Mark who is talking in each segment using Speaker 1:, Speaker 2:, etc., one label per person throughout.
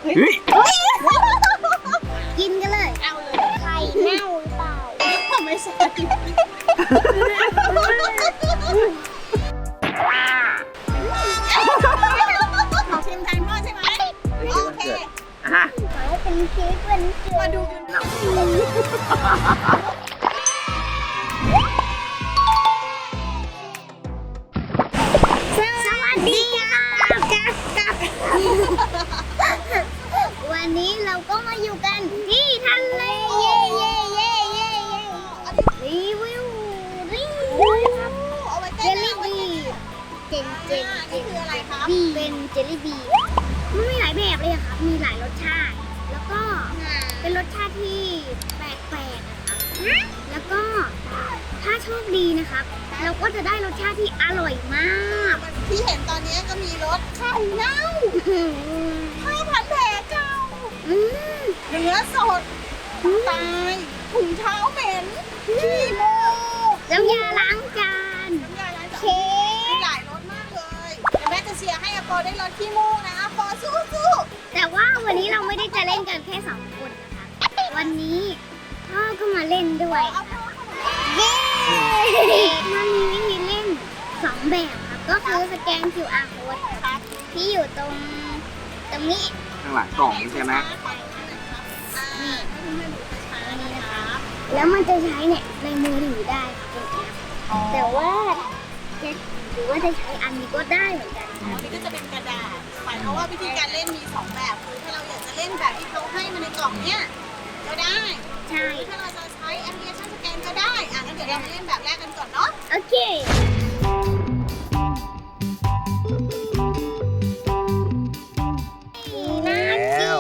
Speaker 1: เฮ้ย
Speaker 2: กินกันเลยเอาเลยไข่เน่าหรือเปล่าไม่ใช่ชิมแทนพ่อใช่ไหมโอเคขอให้เป็นเค้กวันเกิดมาดูกันสวัสดีค่ะวันนี้เราก็มาอยู่กันที่ทะเลเย่เย่เย่เย่เย่รีวิวเจลลี่บีนี่คืออะไรครับเป็นเจลลี่บีมันมีหลายแบบเลยครับมีหลายรสชาติแล้วก็เป็นรสชาติที่แปลกๆนะครับแล้วก็ถ้าโชคดีนะครับเราก็จะได้รสชาติที่อร่อยมากที่เห็นตอนนี้ก็มีรสไข่เน่า5,000 แผลเก่าเนื้อสดตายถุงเท้าเหม็นขี้โมน้ำยาล้างจานเค้กหลายรสมากเลยเดี๋ยวแม่จะเชียร์ให้อโปได้รสขี้โมนะอโปสู้ๆแต่ว่าวันนี้เราไม่ได้จะเล่นกันแค่2 คนนะคะวันนี้พ่อก็มาเล่นด้วยเย้มันมีวิธีเล่น2 แบบครับก็คือสแกน QR code ครับที่อยู่ตรงนี้
Speaker 1: ข้างหลังกล่องใช่ไหม
Speaker 2: นี่นี่นะครับแล้วมันจะใช้เนี่ยในมือถือได้ครับเป็นแอปแต่ว่าหรือว่าจะใช้อันนี้ก็ได้เหมือนกันอันนี้ก็จะเป็นกระดาษหมายความว่าวิธีการเล่นมี2 แบบคือถ้าเราอยากจะเล่นแบบที่เขาให้มาในกล่องเนี้ยก็ได้ใช่ถ้าเราจะใช้แอปพลิเคชันสแกนก็ได้งั้นเดี๋ยวเรามาเล่นแบบแรกกันก่อนเนาะโอเค
Speaker 1: แล้ว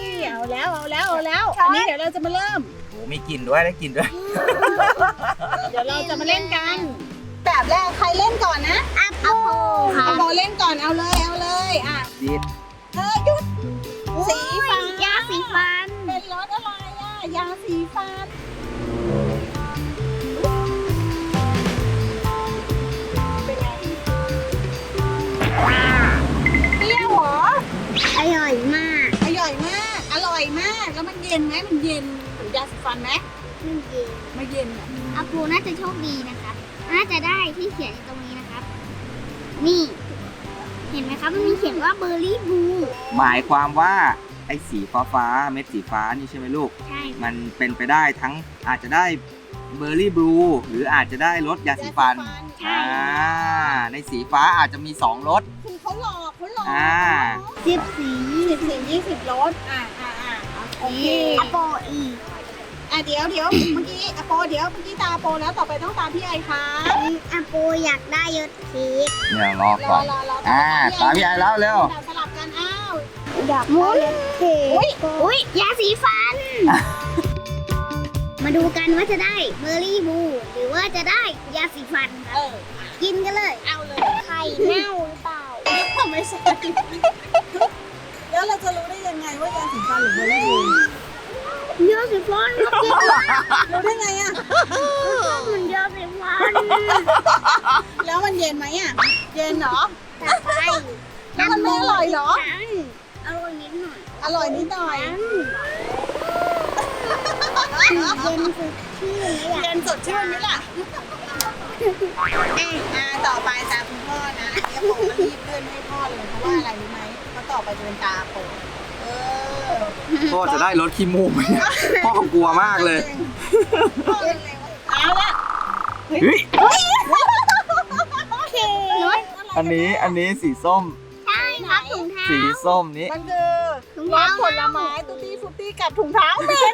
Speaker 2: อันนี้เดี๋ยวเราจะมาเริ่ม
Speaker 1: โอ้มีกลิ่นด้วยได้กลิ่นด้วย
Speaker 2: เดี๋ยวเราจะมาเล่นกันแบบแรกใครเล่นก่อนนะอโปค่ะอโปเล่นก่อนเอาเลยอ่ะ
Speaker 1: ดิด
Speaker 2: หยุดสีฟันยาสีฟันเป็นรสอะไรอ่ะยาสีฟันเป็นไงเปรี้ยวเหรออร่อยมากแล้วมันเย็นไหมมันเย็นเหมือนยาสีฟันไหมไม่เย็นอาปูน่าจะโชคดีนะคะน่าจะได้ที่เขียนอยู่ตรงนี้นะครับนี่เห็นไหมครับมันมีเขียนว่าเบอร์รี่บลู
Speaker 1: หมายความว่าไอ้สีฟ้าเม็ดสีฟ้านี่ใช่ไหมลูก
Speaker 2: ใช่
Speaker 1: มันเป็นไปได้ทั้งอาจจะได้เบอร์รี่บลูหรืออาจจะได้รสยาสีฟันในสีฟ้าอาจจะมี2 รส
Speaker 2: คือเขาหลอก10 สี20 รสโอเคอโปอีกเดี๋ยวเมื่อกี้อโปเมื่อกี้ตาอโปแล้วต่อไปต้องตาพี่ไอค่ะอโปอยากได้ยศเค้ก
Speaker 1: เนี่ยรอก่อนตาพี่ไอแล้วเร็ว
Speaker 2: สลับกันอยากได้ยศเค้กอุ้ยยาสีฟันมาดูกันว่าจะได้เบอร์รี่บลูหรือว่าจะได้ยาสีฟันครับกินกันเลยเอาเลยไข่เน่าหรือเปล่าไม่ใช่แล้วเราจะรู้ได้ยังไงว่ายาสีฟันหรือเบอร์รี่บลูยาสีฟันก็กินรู้ได้ไงอ่ะมันยาสีฟันแล้วมันเย็นไหมอ่ะเย็นเหรอใช่แล้วมันไม่อร่อยเหรออร่อยนิดหน่อยเย็นสดชื่นไหมล่ะต่อไปตาคุณพ่อนะอันนี้ผมก็รีบเลื่อนให้พ่อเลยเพราะว่าอะไรรู้ไหมเพราะต่อไปจะเป็นตาผม
Speaker 1: พ่อจะได้รถขี้มูกไหมพ่อกลัวมากเลย
Speaker 2: เอาละ
Speaker 1: เฮ้ยอันนี้สีส้ม
Speaker 2: ใช่ครับถุงเท้า
Speaker 1: สีส้มนี้
Speaker 2: มันคือรสผลไม้ตุ๊ตี้ฟุตตี้กับถุงเท้าเหม็น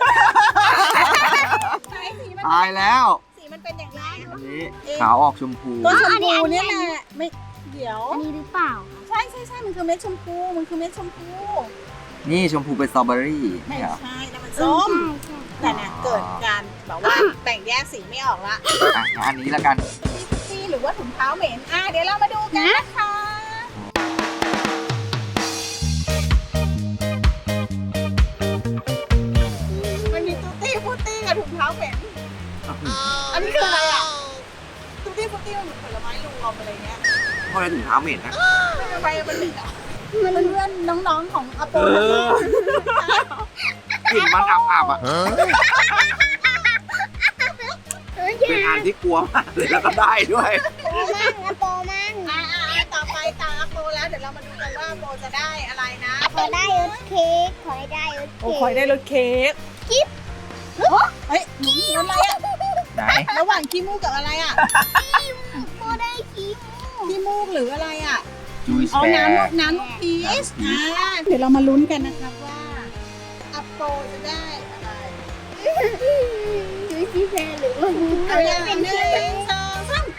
Speaker 1: ตายแล้ว
Speaker 2: สีมันเป็นอย่างไร
Speaker 1: อันนี้ขาวออกชมพู
Speaker 2: ตัวชมพูนี่แหละไม่เดี๋ยวอันนี้หรือเปล่าใช่มันคือเม็ดชมพู
Speaker 1: นี่ชมพูเป็นสตรอเบอรี่
Speaker 2: ไม่ใช่แต่มันส้มแต่เนี่ยเกิดการแบบว่าแบ่งแยกสีไม่ออกละ
Speaker 1: อันนี้แล้วกัน
Speaker 2: ตี้หรือว่าถุงเท้าเหม็นเดี๋ยวเรามาดูกันนะคะมันมีตุ๊ตี้ฟุตตี้กับถุงเท้าเหม็นอันนี้คืออะไรอ่ะตุ๊ตี้ฟุตตี้มันเหมือนผลไม้รวมอะไรเงี้ย
Speaker 1: เพราะอะไรถุงเท้าเหม็นนะ
Speaker 2: ทำไมมันเหม็นอ่ะ
Speaker 3: เพื่อนๆน้องๆของอาโป
Speaker 1: เออ กลิ่นมันอับๆอ่ะ เป็นอันที่กลัวมากเลยแล้วก็ได้ด้วย
Speaker 2: โปมั่ง
Speaker 3: ต่อไปตาอาโปแล้วเดี๋ยวเรามาดูกันว่าอาโปจะได้อะไรนะ
Speaker 2: ขอได้รถเค้กขอให้ได้รถ
Speaker 3: โอ้
Speaker 2: เค้ก
Speaker 3: คอยได้รถเค้ก
Speaker 2: กิ๊บ
Speaker 3: เฮ้ยรถอะไรอะ
Speaker 1: ไหน
Speaker 3: ระหว่างขี้มูกกับอะไรอะ
Speaker 2: โปได้คิ้ว
Speaker 3: ขี้มูกหรืออะไรอะ
Speaker 1: จุยส
Speaker 3: อ๋อ
Speaker 1: แป
Speaker 3: น้ำลูกพีชเดี๋ยวเรามาลุ้นกันนะครับว่าอาโปจะได้อะไร
Speaker 2: จุ๊ยซีแฟร์หรือว่า
Speaker 3: เอาอย่างหนึ่งสองสาม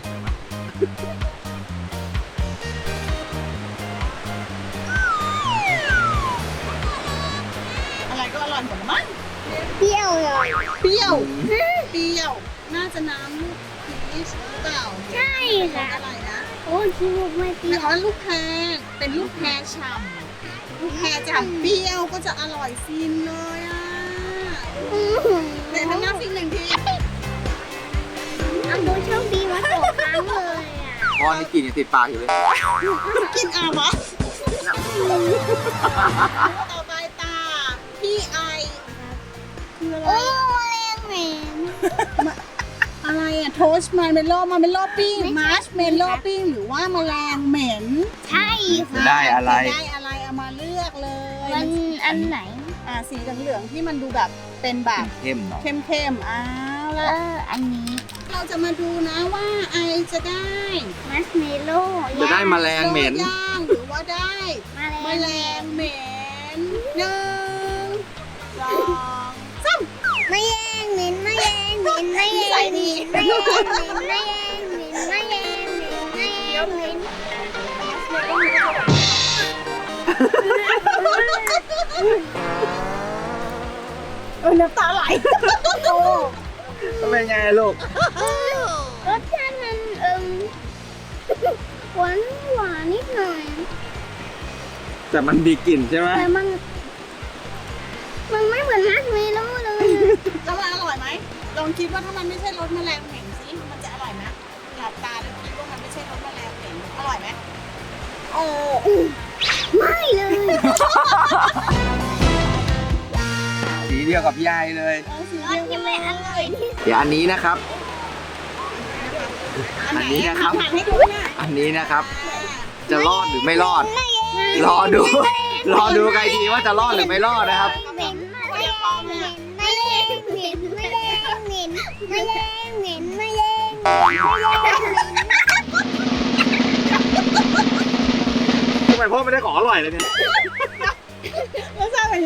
Speaker 3: อะไรก็อร่อยหมดละมั้ง
Speaker 2: เปรี้ยวเลย
Speaker 3: เปรี้ยว เปรี้ยว น่าจะน้ำลูกพีชหรือเปล่า
Speaker 2: ใช่ค่ะ
Speaker 3: อะไรนะ
Speaker 2: โอ้ยคิ้วไม่เปรี้ยว
Speaker 3: อ๋อลูกแพรเป็นลูกแพรฉ่ำลูกแพรฉ่ำเปรี้ยวก็จะอร่อยฟินเลยอ่ะในทำหน้าฟินหนึ่งที
Speaker 2: อัมโบโชคดีมาสองครั้งเลยอ่ะ
Speaker 1: พ่อนี่กลิ่นยังติดปากอยู่เลย
Speaker 3: กินอาวะต่อไปตาพี่ไอคืออะไร
Speaker 2: โอ้แรงเหม็น
Speaker 3: อะไรอะโทสต์มาร์เมลโล่ปิ้งมาร์ชเมลโล่ปิ้งหรือว่าแมลงเหม็น
Speaker 2: ใช่
Speaker 1: จะ
Speaker 2: ค่ะ
Speaker 1: ได้อะไร
Speaker 3: ได้อะไรเอามาเลือกเลย
Speaker 2: มันอันไหน
Speaker 3: สีเหลืองๆที่มันดูแบบเป็นแบบ
Speaker 1: เข้มหน่อย
Speaker 3: เข้มๆอ้าว
Speaker 2: เอ
Speaker 3: แล้ว
Speaker 2: ออันนี้
Speaker 3: เราจะมาดูนะว่าไอจะได้
Speaker 2: มัสเมโล่
Speaker 1: จะได้แมลงเหม็น
Speaker 3: ย่างหรือว่าได้
Speaker 2: แม
Speaker 3: แม
Speaker 2: ล
Speaker 3: ล
Speaker 2: ง
Speaker 3: งเหม็นหนึ่งสองสาม
Speaker 2: ไม่แย่งเหม็นไม่แย่งเหม็นไม่แย่งเหม็นไม่แย่งเหม็นไม่แย่งเหม็นไม่แย่งเหม็นไม่แย่งเหม็น
Speaker 3: น้ำตาไหลโอ้
Speaker 1: เป็นไงลูก
Speaker 2: รสชาติมันหวานหวานนิดหน่อย
Speaker 1: แต่มันมีกลิ่นใช่ไหม
Speaker 2: แต่มันไม่เหมือนมัสเมโล่เลย
Speaker 3: แล้วมันอร่อยไหมลองคิดว่าถ้ามันไม่ใช่รสแมลงเหม็นสิมันจะอร่อยไหมหลับตาแล้วคิดว่ามันไม่ใช่รสแมลงเหม็นอร่อยไหม
Speaker 2: ไม่เลย
Speaker 1: สีเดียวกับพี่ไอเลย
Speaker 2: อันที่ไม่อร่อยที่
Speaker 1: เดี๋ยวอันนี้นะครับ อันนี้นะครับ
Speaker 3: หันให้ดูนะ
Speaker 1: อันนี้นะครับ จะรอดหรือไม่รอด รอดู รอดูใครทีว่าจะรอดหรือไม่รอดนะครับ
Speaker 2: เหม็นไม่แย่งเหม็นไม่แย่งเหม็นไม่แย่งเหม็นไม่แย่งเหม็นไม่แย่งไม่แย่ง
Speaker 1: ทำไมพ่อไม่ได้ของอร่อยเลยเนี่ย
Speaker 3: แล้วทราบเป็นไง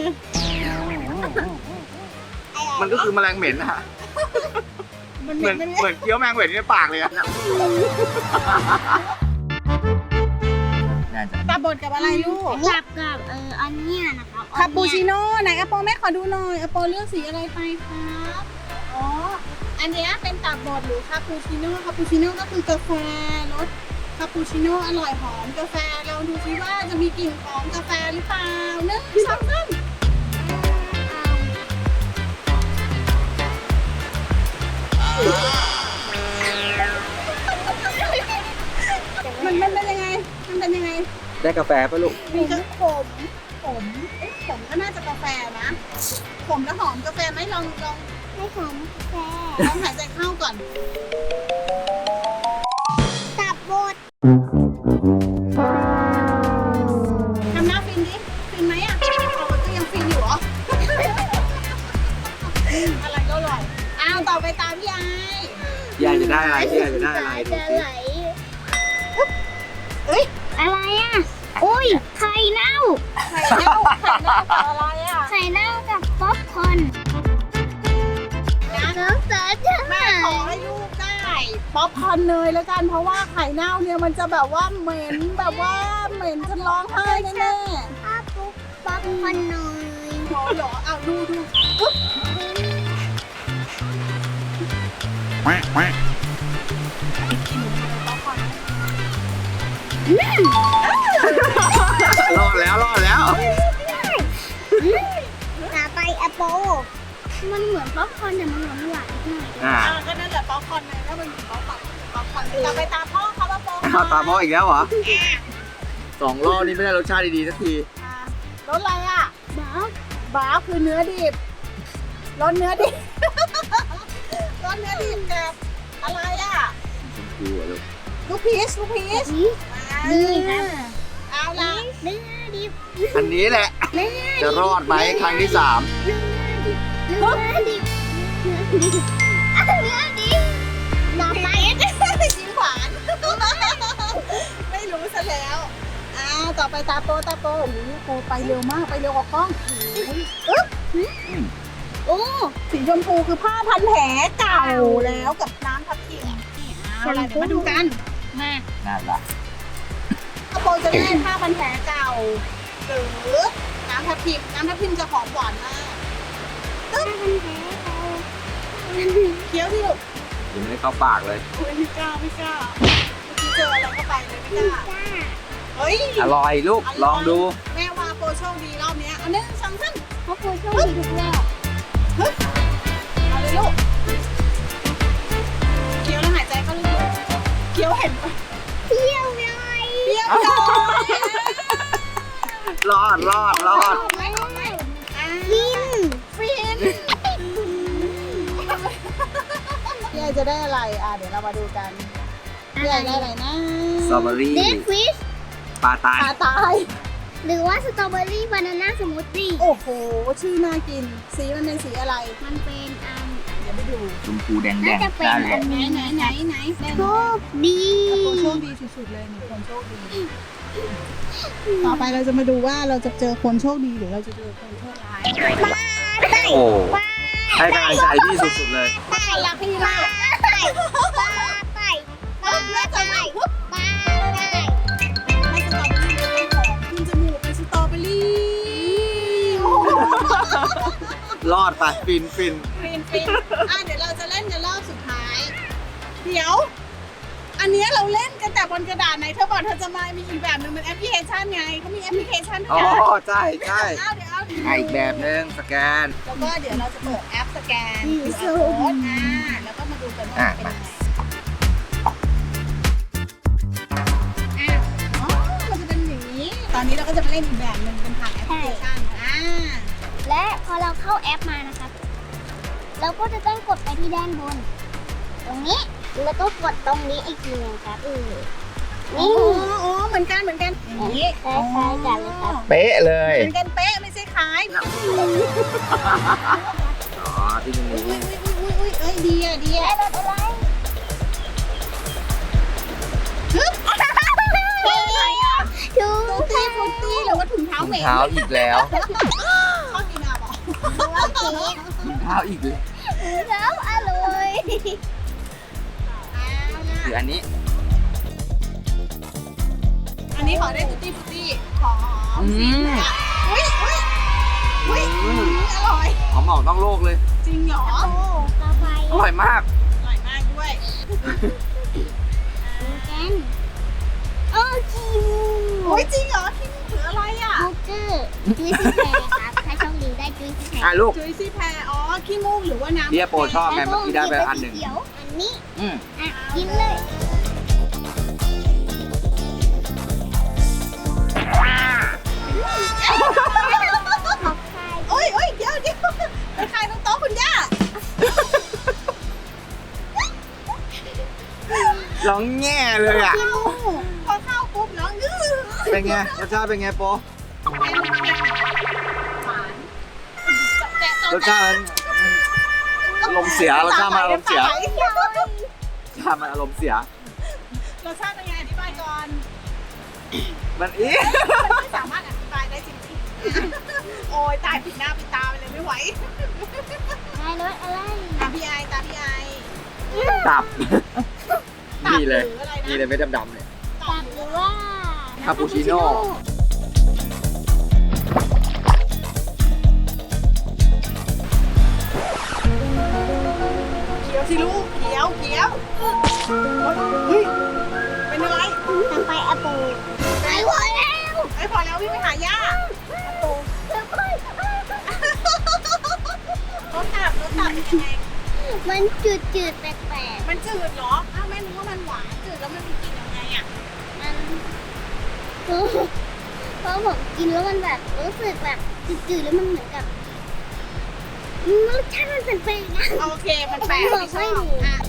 Speaker 1: มันก็คือแมลงเหม็นนะฮะ
Speaker 3: มัน
Speaker 1: เห
Speaker 3: เห
Speaker 1: มื
Speaker 3: ม็
Speaker 1: อน น
Speaker 3: ไหม
Speaker 1: เหมือนเคี้ยวแมงเหม็นในปากเลยอะน่าจะ
Speaker 3: ตาบดกับอะไรลูก
Speaker 2: กับอันเนี้ยนะครับ
Speaker 3: คาปูชิโน่ไหนอโปแม่ขอดูหน่อยอโปเลือกสีอะไรไปครับอ๋ออันเนี้ยเป็นตับบดหรือคาปูชิโน่คาปูชิโน่ก็คือกาแฟรสคาปูชิโน่อร่อยหอมกาแฟเราดูซิว่าจะมีกลิ่นของกาแฟหรือเปล่าหนึ่งสองสามมันเป็นยังไงมันเป็นยังไง
Speaker 1: ได้กาแฟป่ะลูก
Speaker 3: มีทั้งขมขมก็น่าจะกาแฟนะขมแล้วหอมกาแฟไหมลอง
Speaker 2: ให้หอมกาแฟ
Speaker 3: ลองหายใจเข้าก่อน
Speaker 2: ตับบด
Speaker 3: ทำหน้าฟินดิ ฟินไหมอ่ะเราก็ยังฟินอยู่เหรอ อะไรก็อร่อย อ้าวต่อไปตามพี่ไอ
Speaker 1: พี่ไอจะได้อะไรพี่ไอจะได้อะไรดู
Speaker 2: จะ
Speaker 1: สิ
Speaker 2: ไหล
Speaker 3: เอ้ย
Speaker 2: อะไรอ่ะอุ้ยไข่เน่า
Speaker 3: ไข่เน่ากับอะไรอ่ะ
Speaker 2: ไข่เน่ากับป๊อปคอร์นน้องเสือจะ
Speaker 3: แม่ขอให้ลูกได้ป๊อปคอร์นเนยแล้วกัน เพราะว่าไข่เน่าเนี่ยมันจะแบบว่าเหม็นแบบว่าเหม็นจนร้องไห้แน่
Speaker 2: ถ้าปุ๊บป๊อปคอร์นหน่อย
Speaker 3: ๆขอเหรอเอาดูอุ๊บ
Speaker 1: รอดแล้วรอดแล้ว
Speaker 2: ต่อไปแอปเปิลมันเหมือนป๊อปคอร์นแต่มันหวานหวานหน่อย
Speaker 1: อ่า
Speaker 3: ก็นั่นแหละป๊อปคอร์นเลยถ้ามันมีป๊อปคอร์นต่อไปตามพ่อเขาว่าป๊อป
Speaker 1: เอาตามพ่ออีกแล้วเหรอ 2 รอบนี่ไม่ได้รสชาติดีๆสักที
Speaker 3: รสอะไรอ่ะ
Speaker 2: บ้า
Speaker 3: บ้าวคือเนื้อดิบรสเนื้อดิบ รสเนื้อดิบกับอะไรอ่ะ
Speaker 1: ชมพูอะลูก
Speaker 3: ลูกพีชลูกพีช
Speaker 2: นี่นี่ครับ
Speaker 3: เอาละ
Speaker 2: เนื้อดิบ
Speaker 1: อันนี้แหละ
Speaker 2: เนื้อ
Speaker 1: จะรอดไหมครั้งที่
Speaker 2: เนื้อดิบเนื้อดิบเนื้อดิบหน่อไม้
Speaker 3: ชิ้นหวาน ไม่รู้ซะแล้วต่อไปตาโปโอ้โหโปไปเร็วมากไปเร็วกว่ากล้อง
Speaker 2: โอ้
Speaker 3: สีชมพูคือผ้าพันแผลเก่าแล้วกับน้ำทับทิมเอาล่ะเดี๋ยวมาดูกันมา
Speaker 1: 3นั่นละ
Speaker 3: โปจะได้ผ้าพันแผลเก่าหรือน้ำทับทิมจะหอมหวานมาก
Speaker 2: ถ้ามันแพ้เขา
Speaker 3: เคี้ยวที่ลูก
Speaker 1: ยังไม่ได้เข้าปากเลย
Speaker 3: โอ้ยไม่กล้าเมื่อกี้เจออะไรเข้าไปเลยไม่กล้า
Speaker 2: จ้า
Speaker 3: เฮ้ย
Speaker 1: อร่อยลูก ลองดู
Speaker 3: แม่ว่าโปโชคดีรอบเนี้ยเอา1 2 3
Speaker 2: เพราะครูโชคดีทุกรอบ
Speaker 3: เอาเลยลูกเคี้ยวแล้วหายใจเข้าลึกๆเคี้ยวเห็นปะ
Speaker 2: เปรี้ยวเลย
Speaker 3: เปรี้ยวจัง
Speaker 1: รอด
Speaker 2: ไม่ฟิน
Speaker 3: ฟินพี่ไอจะได้อะไรเดี๋ยวเรามาดูกันพี่ไอได้อะไรนะ
Speaker 1: สตรอเบอรี่
Speaker 2: เดดฟิช
Speaker 1: ปลาตาย
Speaker 3: ตาตาย
Speaker 2: หรือว่าสตรอเบอรี่บานาน่าสมูทตี้
Speaker 3: โอ้โหชื่อน่ากินสีมันเป็นสีอะไร
Speaker 2: มันเป็น
Speaker 3: เดี๋ยวไปดู
Speaker 1: ชมพูแดง
Speaker 2: น่าจะเป็น
Speaker 1: ได้เลย
Speaker 3: ไหน
Speaker 2: โชคดี
Speaker 3: คนโชคดีสุดๆเลยหนึ่งคนโชคดีต่อไปเราจะมาดูว่าเราจะเจอคนโชคดีหรือเราจะเจอคนโชคร้าย
Speaker 1: โอ้ให้กำลังใจที่สุดๆเลย
Speaker 3: ป้ารักพี่มาก
Speaker 2: ไปไปไปไปไป
Speaker 3: ให้สตรอเบอรี่เป็นของขึ้นจมูกเป็นสตรอเบอรี่โอ้โห
Speaker 1: รอดไปฟิน
Speaker 3: ฟินเดี๋ยวเราจะเล่นกันรอบสุดท้าย เดี๋ยว อันเนี้ยเราเล่นกันแต่บนกระดาษไหนเธอบอกเธอจะมามีอีกแบบหนึงเป็นแอปพลิเคชันไงเขามีแอปพลิเคชันด้
Speaker 1: อ๋
Speaker 3: ว
Speaker 1: อ
Speaker 3: ยนะ
Speaker 1: ใช่เ
Speaker 3: เอา
Speaker 1: อีกแบบนึงสแกน
Speaker 3: แล้วก็เดี๋ยวเราจะเปิดแอปสแกน QR code แล้วก็มาดูกันว่าเป็นยังไงอ๋อมันจะเป็นอย่างนี้ ตอนนี้เราก็จะมาเล่นอีกแบบหนึ่งเป็นผ่านแอปพลิเคชัน
Speaker 2: และพอเราเข้าแอปมานะครับ เราก็จะต้องกดไปที่ด้านบน ตรงนี้แล้วก็กดตรงนี้อีกทีนึงครับนี่
Speaker 3: อ๋อเหมือนกันอย่างนี้
Speaker 2: คล้ายๆกันเลยครับ
Speaker 1: เป๊ะเลย
Speaker 3: เหมือนกันเป๊ะไม่ใช่คล้าย
Speaker 1: อ๋อที่ตรงนี้
Speaker 3: อุ้ยเอ้ยดีอ่ะ
Speaker 2: ได้รถอะไร ชู
Speaker 3: ฟุตตี้หรือว่าถุงเท้าเหม็น
Speaker 1: เท้าอีกแล้ว
Speaker 3: ชอบกินอ่ะบอก
Speaker 1: เท้าอีกเลย
Speaker 2: แล้วอร่อย
Speaker 1: คืออันนี้
Speaker 3: อันนี้ขอได้ฟุตตี้ขอ อุ้ยอร่อย
Speaker 1: หอมออกต้องโลกเลย
Speaker 3: จริงเหรอ
Speaker 2: โอ้กาแฟ
Speaker 1: อร่อยมาก
Speaker 3: อร่อยมากด้วย
Speaker 2: กันโอ้คิว
Speaker 3: โอ้ยจริงเหรอที่นี่ถืออะไรอ่ะ
Speaker 2: บูเกอร์จุ้ยซี่แพรครับถ้าโชคดีได้จุ้ยซี่แพร
Speaker 1: ลูก
Speaker 3: จุยซี่แพรอ๋อขี้มูกหรือว่าน้ำ
Speaker 1: เบียร์โปรชอบไงเมื่อกี้ได้ไปอันหนึ่ง
Speaker 2: เขียวอันนี้
Speaker 1: อืม
Speaker 2: กินเลย
Speaker 3: โอ้ยเดี๋ยวไปขายตรงโต๊ะคุณย่า
Speaker 1: ร้องแง่เลยอ่ะ
Speaker 3: พอเข้าปุ๊บแล้วงื้อ
Speaker 1: เป็นไงรสชาติเป็นไงโป
Speaker 3: หวาน
Speaker 1: รสชาติมันอารมณ์เสียรสชาติมันอารมณ์เสียรสชาติมันอารมณ์เสีย
Speaker 3: รสชาติเป็นไงอธิบายก่อน
Speaker 1: มันอี
Speaker 3: มันไม่สามารถอธิบายได้จริงๆโอ้ยตายปิดหน้าปิดตาไปเลยไม่ไหว
Speaker 2: ได้รถอะไร
Speaker 3: ตาพี่ไอ
Speaker 1: ตับ
Speaker 3: ตับ
Speaker 1: นี่เลย
Speaker 3: หรืออะไรนะ
Speaker 1: นี่เลยไม่ดำๆเลย
Speaker 2: ตับหรือว่า
Speaker 1: คาปูชิโน่
Speaker 3: เขียวสิลูกเขียวเฮ้ยเป็นอะไร
Speaker 2: ทำไปแอปเปิลไปหมดแล้ว
Speaker 3: ไอ้พอแล้ววิ่งไปหาย่า รถตับเป็นยังไง
Speaker 2: มันจืดๆแปลก
Speaker 3: มันจืดเหรออ้าวแม่นึกว่ามันหวานจืดแล้วมันมีกลิ่นยังไงอ่ะ
Speaker 2: ๆมันเพราะผมกินแล้วมันแบบรู้สึกแบบจืดๆแล้วมันเหมือนกับรสชาติมันแปลกๆนะ
Speaker 3: โอเคมันแปลก
Speaker 2: บอก
Speaker 3: ไม่ช
Speaker 2: ไม่
Speaker 3: อบ
Speaker 2: ถูก
Speaker 3: อ่ะ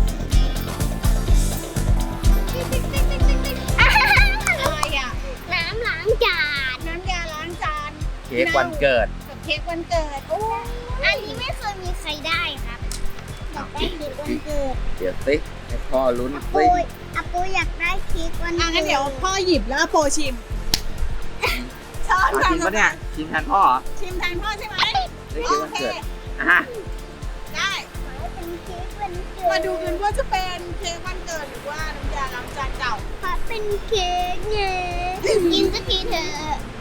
Speaker 3: อะไรอ่ะ
Speaker 2: น้ำล้างจาน
Speaker 3: น้ำยาล้างจาน
Speaker 1: เค้กวันเกิด
Speaker 3: กับเค้กวันเกิดโอ้
Speaker 2: อันนี้ไม่เคยมีใครได้ครับอยากได้เค้กวันเกิด
Speaker 1: เดี๋ยวสิให้พ่อลุ้น
Speaker 2: อา
Speaker 1: สิ
Speaker 2: โปอยากได้เค้กวัน
Speaker 3: อ่ะ
Speaker 2: เกิด
Speaker 3: งั้นเดี๋ยวพ่อหยิบแล้วโปรชิมช้อน
Speaker 1: เอาชิมปะเนี่ยชิมแทนพ่อเหรอ
Speaker 3: ชิมแทนพ่อใช่ไหม
Speaker 1: ได้
Speaker 3: โอ
Speaker 1: เค้กวัน
Speaker 3: เค
Speaker 1: เกิดอ่ะ
Speaker 3: ได้
Speaker 2: เป็นเค้กวันเกิด
Speaker 3: มาดูกันว่าจะเป็นเค้กวันเกิดหรือว่าน้ำยาล้างจานเก่า
Speaker 2: เพราะเป็นเค้กไงกินสักทีเถอะ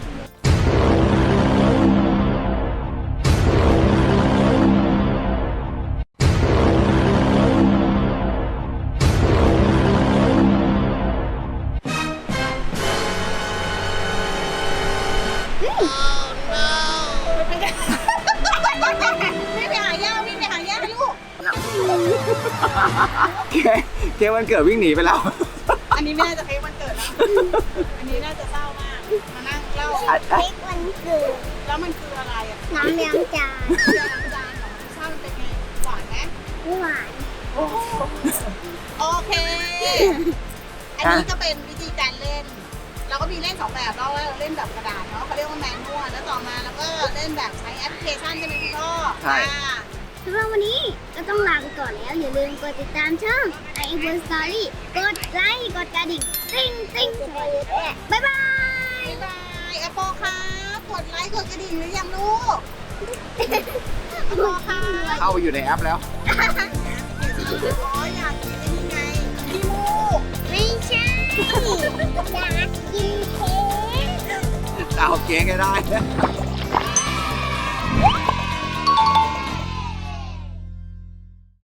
Speaker 3: ไม่ไปหาย่าวิ่งไปหาย่าลูก
Speaker 1: เค้กวันเกิดวิ่งหนีไปแล้ว
Speaker 3: อันนี้ไม่น่าจะเค้กวันเกิดแล้ว อันนี้น่าจะเศร้ามาก มานั่งเล่า
Speaker 2: เค้กวันเกิด
Speaker 3: แล้วมันคืออะไรอ่ะ
Speaker 2: น้ำล้างจาน
Speaker 3: น้ำยาล้างจานเหรอรสชาติมันเป็นไง หวานไหม
Speaker 2: ไม่หวาน
Speaker 3: โอเค อันนี้ก็เป็นวิธีการเล่น เราก็มีเล่นสองแบบเราเล่นแบบกระดาษเนาะเขาเรียกว่าแมนนวลแล้วต่อมาเราก็เล่นแบบใช้แอปพลิเคชันใช่ไหมคุณพ่อ
Speaker 1: ใช่
Speaker 3: อ่า
Speaker 2: สำหรับวันนี้ก็ต้องลาไปก่อนแล้ว อย่าลืมกดติดตามช่อง i b o n Story กดไลค์กดกระดิ่งติ๊งติ๊งบ๊ายบาย
Speaker 3: บ๊ายบายอโปครับกดไลค์กดกระดิ่งหรือยังลูกอโปค่ะ
Speaker 1: เข้าไปอยู่ในแอปแล้ว
Speaker 3: อ๋ออยากกินไอ้นี่ไงขี้มูก
Speaker 2: ไม่ใช่ อยากกินเค้ก
Speaker 1: จะเอาเค้กให้ได้